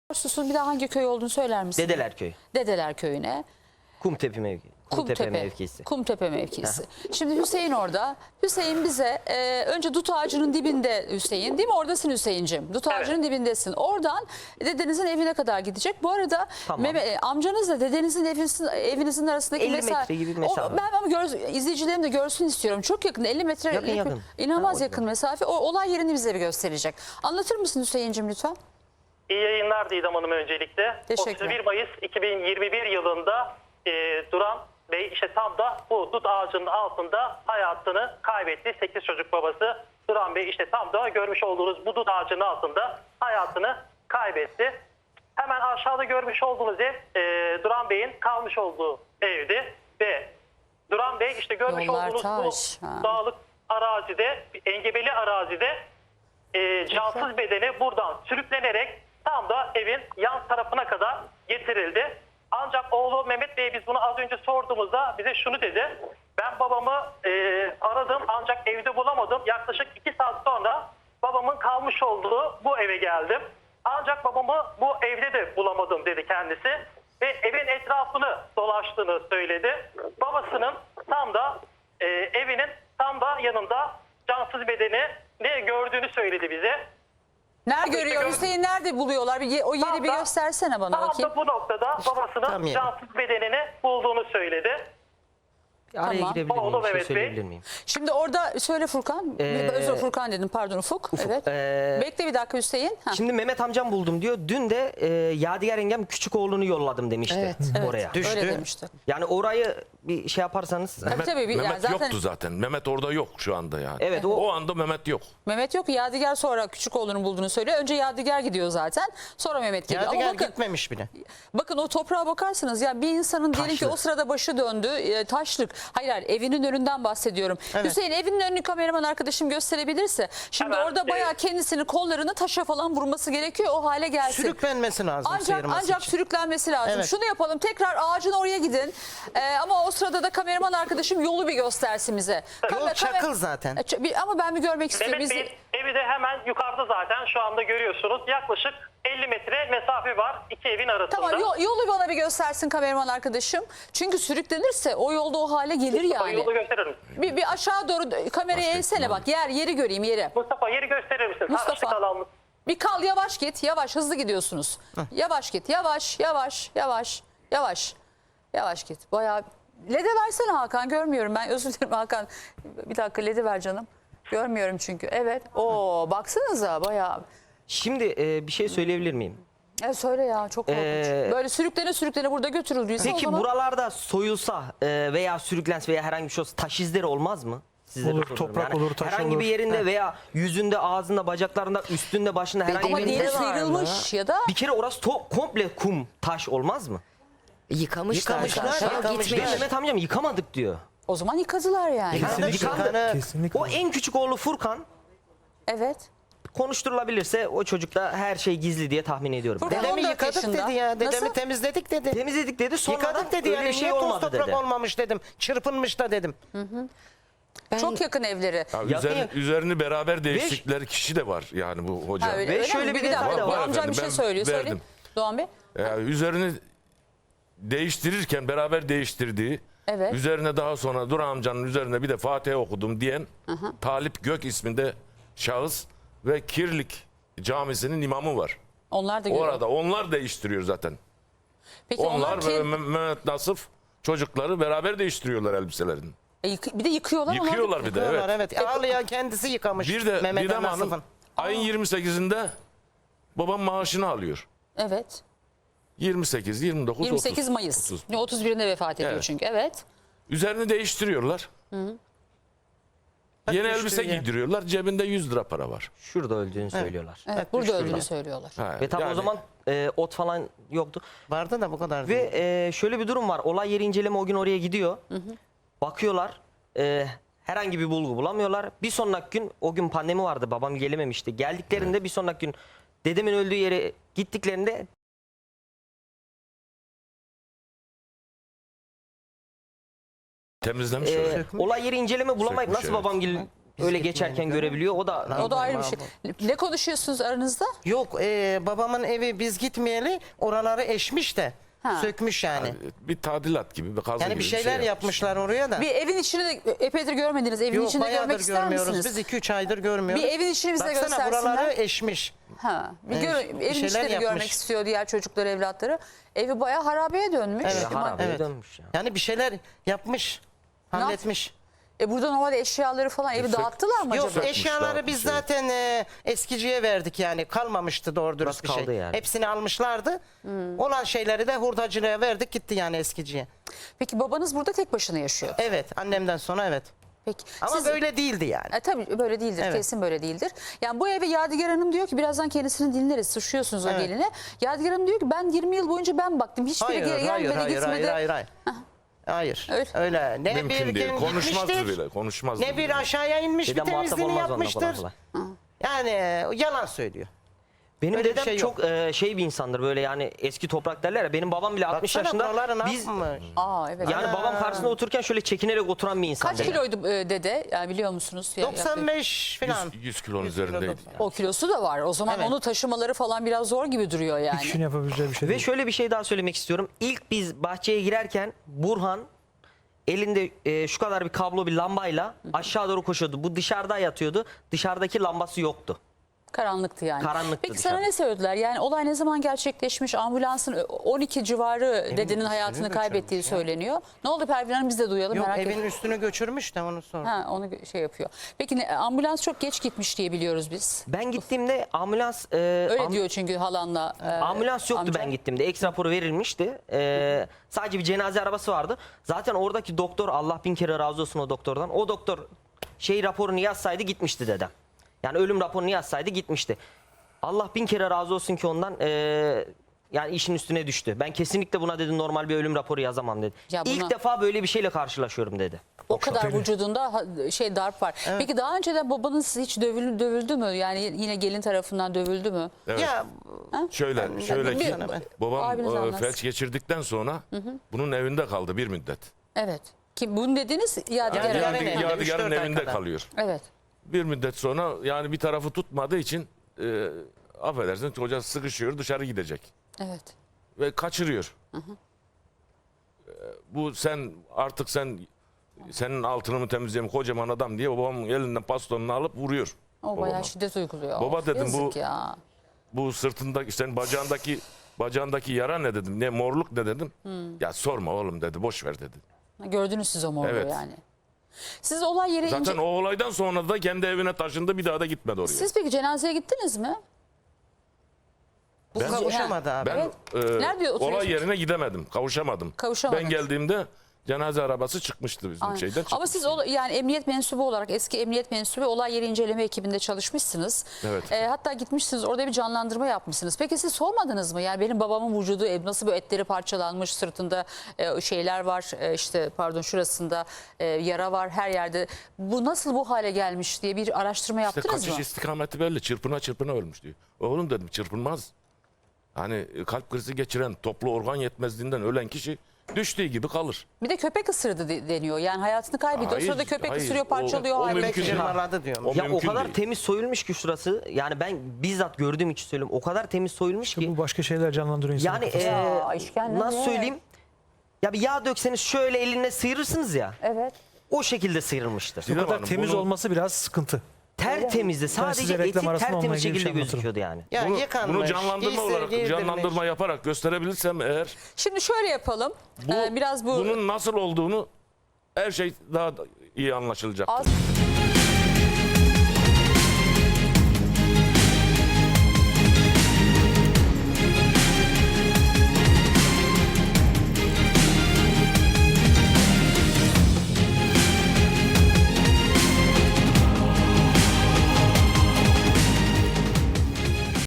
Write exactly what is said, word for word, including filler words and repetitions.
Susun bir daha hangi köy olduğunu söyler misin? Dedeler Köyü. Dedeler Köyü'ne. Kumtepe mevki. Kumtepe, Kumtepe mevkisi. Kumtepe mevkisi. Şimdi Hüseyin orada. Hüseyin bize e, önce dut ağacının dibinde Hüseyin, değil mi? Oradasın Hüseyin'cim. Dut ağacının evet. dibindesin. Oradan dedenizin evine kadar gidecek. Bu arada tamam. Mehmet, e, amcanızla dedenizin evinizin, evinizin arasındaki elli mesafe. metre gibi bir mesafe. O, ben ama gör, izleyicilerim de görsün istiyorum. Çok yakın. elli metre. Yakın yakın. yakın. İnanılmaz ha, yakın mesafe. O olay yerini bize bir gösterecek. Anlatır mısın Hüseyin'cim lütfen? İyi yayınlar Didem Hanım öncelikle. otuz bir Mayıs iki bin yirmi bir yılında e, Duran Bey işte tam da bu dut ağacının altında hayatını kaybetti. sekiz çocuk babası Duran Bey işte tam da görmüş olduğunuz bu dut ağacının altında hayatını kaybetti. Hemen aşağıda görmüş olduğunuz ev e, Duran Bey'in kalmış olduğu evdi ve Duran Bey işte görmüş Yollar olduğunuz taş, bu ha. dağlık arazide, engebeli arazide e, cansız bedeni buradan sürüklenerek tam da evin yan tarafına kadar getirildi. Ancak oğlu Mehmet Bey biz bunu az önce sorduğumuzda bize şunu dedi. Ben babamı e, aradım ancak evde bulamadım. Yaklaşık iki saat sonra babamın kalmış olduğu bu eve geldim. Ancak babamı bu evde de bulamadım dedi kendisi. Ve evin etrafını dolaştığını söyledi. Babasının tam da e, evinin tam da yanında cansız bedeni ne gördüğünü söyledi bize. Nerede görüyor? gör- Hüseyin nerede buluyorlar? Bir, o yeri Tam bir da- göstersene bana Tam bakayım. da bu noktada babasının tam yani. cansız bedenini bulduğunu söyledi. Araya Tamam. girebilir miyim? Oğlum, Bir şey evet Bey. söyleyebilir miyim? Şimdi orada söyle Furkan. Ee, Özür Furkan dedim pardon Ufuk. Ufuk, Evet. ee, Bekle bir dakika Hüseyin. Ha. Şimdi Mehmet amcam buldum diyor. Dün de e, Yadigar yengem küçük oğlunu yolladım demişti Evet, evet. oraya. Öyle demişti. Yani orayı bir şey yaparsanız. Tabii, Mehmet, tabii, bir- Mehmet yani zaten- yoktu zaten. Mehmet orada yok şu anda yani. Evet, o- o anda Mehmet yok. Mehmet yok. Yadigar sonra küçük oğlunu bulduğunu söylüyor. Önce Yadigar gidiyor zaten. Sonra Mehmet geliyor. Yadigar Ama bakın, gitmemiş bile. bakın o toprağa bakarsanız ya bir insanın diyelim ki Taşlı. o sırada başı döndü. E, taşlık. Hayır hayır evinin önünden bahsediyorum. Evet. Hüseyin evinin önünü kameraman arkadaşım gösterebilirse. Şimdi Hemen, orada e, bayağı kendisini kollarını taşa falan vurması gerekiyor. O hale gelsin. Sürüklenmesi lazım Ancak sıyırması ancak için. sürüklenmesi lazım. Evet. Şunu yapalım tekrar ağacın oraya gidin. Ee, ama o sırada da kameraman arkadaşım yolu bir göstersin bize. Yol Kamer- çakıl kamer- zaten. E, ç- bir- Ama ben bir görmek istiyorum. Mehmet Bizi... Bey'in evi de hemen yukarıda zaten şu anda görüyorsunuz. Yaklaşık elli metre mesafe var iki evin arasında. Tamam yol- yolu bana bir göstersin kameraman arkadaşım. Çünkü sürüklenirse o yolda o hale gelir Mustafa, yani. yolu gösterir misin? Bir, bir aşağı doğru kamerayı Başka eğsene ihtimal. bak yer yeri göreyim yeri. Mustafa yeri gösterir misin? Mustafa. Taşlık alanımız. Bir kal yavaş git yavaş hızlı gidiyorsunuz. Yavaş git yavaş yavaş yavaş yavaş yavaş git. Bayağı lede versene Hakan görmüyorum ben özür dilerim Hakan. Bir dakika ledi ver canım. Görmüyorum çünkü evet. Oo baksanıza bayağı. Şimdi e, bir şey söyleyebilir miyim? E söyle ya çok korkunç. Ee, Böyle sürüklene sürüklene burada götürüldüyse o Peki zaman. buralarda soyulsa e, veya sürüklense veya herhangi bir şey olsa taş izleri olmaz mı? Sizlere Olur, soruyorum. toprak olur, taş herhangi olur. bir yerinde veya yüzünde, ağzında, bacaklarında, üstünde, başında herhangi Ama bir diğeri yerinde sıyrılmış ya da bir kere orası to- komple kum, taş olmaz mı? Yıkamışlar. Yıkamışlar, zaten. yıkamışlar. Gitmiş. Mehmet amcam yıkamadık diyor. o zaman yıkadılar yani. Yıkandı, yıkandı. Yıkanı- Kesinlikle. O en küçük oğlu Furkan Evet. konuşturulabilirse o çocukta her şey gizli diye tahmin ediyorum. Furkan- Dedemi on dört yıkadık yaşında. dedi ya. Dedemi Nasıl? temizledik dedi. Temizledik dedi, sonra Yıkadık da dedi öyle yani. bir şey Niye toz olmadı toprak dedi. olmamış dedim. Çırpınmış da dedim. Çok yakın evleri. Ya Yakın üzerini, yakın. üzerini beraber değiştikleri kişi de var yani bu hoca. Ha, öyle, Ve öyle şöyle mi? bir bir detay dakika. da var. Amcam Efendim, bir şey ben söylüyor. Söyle. verdim. Doğan Bey. Ya üzerini değiştirirken beraber değiştirdiği, Evet. üzerine daha sonra Duran amcanın üzerine bir de Fatiha okudum diyen Talip Gök isminde şahıs ve Kirlik Camisi'nin imamı var. Onlar da görüyor. Orada onlar değiştiriyor zaten. Peki Onlar onlar, ve kim? Me- Mehmet Nasıf çocukları beraber değiştiriyorlar elbiselerini. E, yık- bir de yıkıyorlar. onlar da- Yıkıyorlar bir de, Diyorlar, evet. evet. Ağlayan kendisi yıkamış. Bir de Mehmet Didem Nasıf'ın. Hanım ayın yirmi sekizinde babam maaşını alıyor. Evet. yirmi sekiz, yirmi dokuz, yirmi sekiz otuz. Mayıs. otuz. Ne, otuz birinde vefat ediyor Evet. çünkü. Evet. Üzerini değiştiriyorlar. Yeni elbise düştürüyor. giydiriyorlar. Cebinde yüz lira para var. Şurada öldüğünü söylüyorlar. Evet. Evet, burada düştüler. öldüğünü söylüyorlar. Ha, Ve tabi yani o zaman e, ot falan yoktu. Vardı da bu kadar Ve değil. e, şöyle bir durum var. Olay yeri inceleme o gün oraya gidiyor. Bakıyorlar. e, herhangi bir bulgu bulamıyorlar. Bir sonraki gün, o gün pandemi vardı. Babam gelememişti. Geldiklerinde bir sonraki gün dedemin öldüğü yere gittiklerinde temizlemiş e, orayı. olay yeri inceleme bulamayıp Sökmüş, nasıl evet. babam gel öyle geçerken görebiliyor. O da O da ayrı bir şey. Ne konuşuyorsunuz aranızda? Yok e, babamın evi biz gitmeyeli oraları eşmiş de Ha. sökmüş yani. Bir tadilat gibi, bir kazı Yani gibi bir şeyler şey yapmışlar oraya da. Bir evin içini de epeydir görmediniz. Evin Yok içini de görmek bayağıdır ister görmüyoruz. misiniz? Biz iki üç aydır görmüyoruz. Bir evin içini bize Baksana göstersinler. buraları eşmiş. Ha, bir Evet, gör, bir evin şeyler içini de görmek yapmış. istiyor diğer çocukları, evlatları. Evi bayağı harabeye dönmüş. Evet, Ama- harabeye evet. dönmüş ya. Yani bir şeyler yapmış. Halletmiş. E burada normalde eşyaları falan evi Sök- dağıttılar mı Yok acaba? eşyaları biz dağıtmış, zaten e, eskiciye verdik yani. Kalmamıştı doğru dürüst bir Biraz şey. kaldı yani. Hepsini almışlardı. Olan şeyleri de hurdacılığa verdik gitti yani eskiciye. Peki babanız burada tek başına yaşıyor. Evet annemden sonra evet. Peki. Ama siz- böyle değildi yani. E, tabii böyle değildir. Evet. Kesin böyle değildir. Yani bu eve Yadigar Hanım diyor ki birazdan kendisini dinleriz. Suçluyorsunuz o Evet. geline. Yadigar Hanım diyor ki ben yirmi yıl boyunca ben baktım. Hiçbiri Hayır, geri hayır, gelmedi hayır, gitmedi. hayır, hayır, hayır. Hayır. Öyle. Öyle. Ne Mümkün bir değil. gün Konuşmazdı gitmiştir, bile. Konuşmazdı ne bile. bir aşağıya inmiş Dedem bir muhatap temizliğini olmaz onunla kolay yapmıştır. kolay. Yani e, yalan söylüyor. Benim Öyle bir dedem şey yok. çok e, şey bir insandır böyle yani eski toprak derler ya. Benim babam bile altmış Baksana yaşında. buraları ne Biz yapmış? Aa evet. yani babam karşısında otururken şöyle çekinerek oturan bir insan. Kaç dedem. kiloydu e, dede? Yani biliyor musunuz? Ya- doksan beş falan. yüz, yüz kilonun üzerindeydi. O kilosu da var. O zaman Evet. onu taşımaları falan biraz zor gibi duruyor yani. Kişinin yapabileceği bir şey Ve değil. şöyle bir şey daha söylemek istiyorum. İlk biz bahçeye girerken Burhan elinde e, şu kadar bir kablo bir lambayla aşağı doğru koşuyordu. Bu dışarıda yatıyordu. Dışarıdaki lambası yoktu. Karanlıktı yani. Karanlıktı Peki dışarı. sana ne söylediler? Yani olay ne zaman gerçekleşmiş? Ambulansın on iki civarı dedenin üstünü hayatını göçürmüş kaybettiği ya. söyleniyor. Ne oldu Pervin Hanım, biz de duyalım, Yok merak evin ettim. üstünü göçürmüş de onu sor. Ha, onu şey yapıyor. Peki ne- ambulans çok geç gitmiş diye biliyoruz biz. Ben gittiğimde ambulans e, Öyle am- diyor çünkü halanla. e, ambulans yoktu amcan. ben gittiğimde. Eks raporu verilmişti. E, sadece bir cenaze arabası vardı. Zaten oradaki doktor, Allah bin kere razı olsun o doktordan. O doktor şey raporunu yazsaydı gitmişti dedem. Yani ölüm raporunu yazsaydı gitmişti. Allah bin kere razı olsun ki ondan e, yani işin üstüne düştü. Ben kesinlikle buna dedi normal bir ölüm raporu yazamam dedi. Ya buna- İlk defa böyle bir şeyle karşılaşıyorum dedi. O kadar vücudunda ha- şey darp var. Peki daha önceden babanız hiç dövüldü, dövüldü mü? Yani yine gelin tarafından dövüldü mü? Evet. Ya Şöyle, şöyle bir- ki bir- babam abiniz e, anlatsın. felç geçirdikten sonra bunun evinde kaldı bir müddet. Evet. Kim bunu dediniz? Yadigar Yadigar Hanım. evinde. Yadigar, evinde, üç Yadigar'ın dört ay evinde kadar. kalıyor. Evet. Bir müddet sonra yani bir tarafı tutmadığı için e, affedersin çocuğa sıkışıyor, dışarı gidecek. Evet. Ve kaçırıyor. E, bu sen artık sen senin altını mı temizleyeyim kocaman adam diye babamın elinden bastonunu alıp vuruyor. O babama. bayağı şiddet uyguluyor. Baba Of, dedim, yazık bu- ya. Bu sırtındaki senin bacağındaki bacağındaki yara ne dedim? Ne morluk ne dedim? Ya sorma oğlum dedi. Boş ver dedi. Gördünüz siz o morluğu Evet. yani. Siz olay yeri Zaten ince... o olaydan sonra da kendi evine taşındı. Bir daha da gitmedi oraya. Siz peki cenazeye gittiniz mi? bu Ben- kavuşamadı abi. Ben Evet. e, Nerede oturuyorsunuz? olay yerine gidemedim. Kavuşamadım. Kavuşamadınız. Ben geldiğimde cenaze arabası çıkmıştı bizim Aynen. şeyden. Ama siz o- yani emniyet mensubu olarak, eski emniyet mensubu olay yeri inceleme ekibinde çalışmışsınız. Evet. Ee, hatta gitmişsiniz orada bir canlandırma yapmışsınız. Peki siz sormadınız mı? Yani benim babamın vücudu e, nasıl böyle etleri parçalanmış, sırtında e, şeyler var, e, işte pardon şurasında e, yara var her yerde. Bu nasıl bu hale gelmiş diye bir araştırma İşte yaptınız kaçış mı? istikameti belli. Çırpına çırpına ölmüş diyor. Oğlum dedim çırpınmaz. Hani kalp krizi geçiren, toplu organ yetmezliğinden ölen kişi düştüğü gibi kalır. Bir de köpek ısırdı de- deniyor. Yani hayatını kaybediyor. Hayır, o sırada köpek hayır. ısırıyor, O- parçalıyor. o hayvan. Köpek mümkün değil. cırmaladı diyorum. O Ya o mümkün kadar değil. temiz soyulmuş ki şurası. Yani ben bizzat gördüğüm için söylüyorum. O kadar temiz soyulmuş ki. Bu başka şeyler canlandırıyor insanın Yani kafasında. Ya, eee, işkence nasıl ne? söyleyeyim? Ya bir yağ dökseniz şöyle eline sıyırırsınız ya. Evet. O şekilde sıyrılmıştır. Bu Didem kadar Hanım, temiz bunu- olması biraz sıkıntı. Tertemizdi. Sadece size eti reklam arasında onunla tertemiz ilgili bir şekilde şey anlatırım. gözüküyordu yani. Ya Bunu, yıkanmış, bunu canlandırma giysi olarak, giydirmiş. canlandırma yaparak gösterebilirsem eğer Şimdi şöyle yapalım. bu, Ee, biraz bu bunun nasıl olduğunu her şey daha da iyi anlaşılacak. az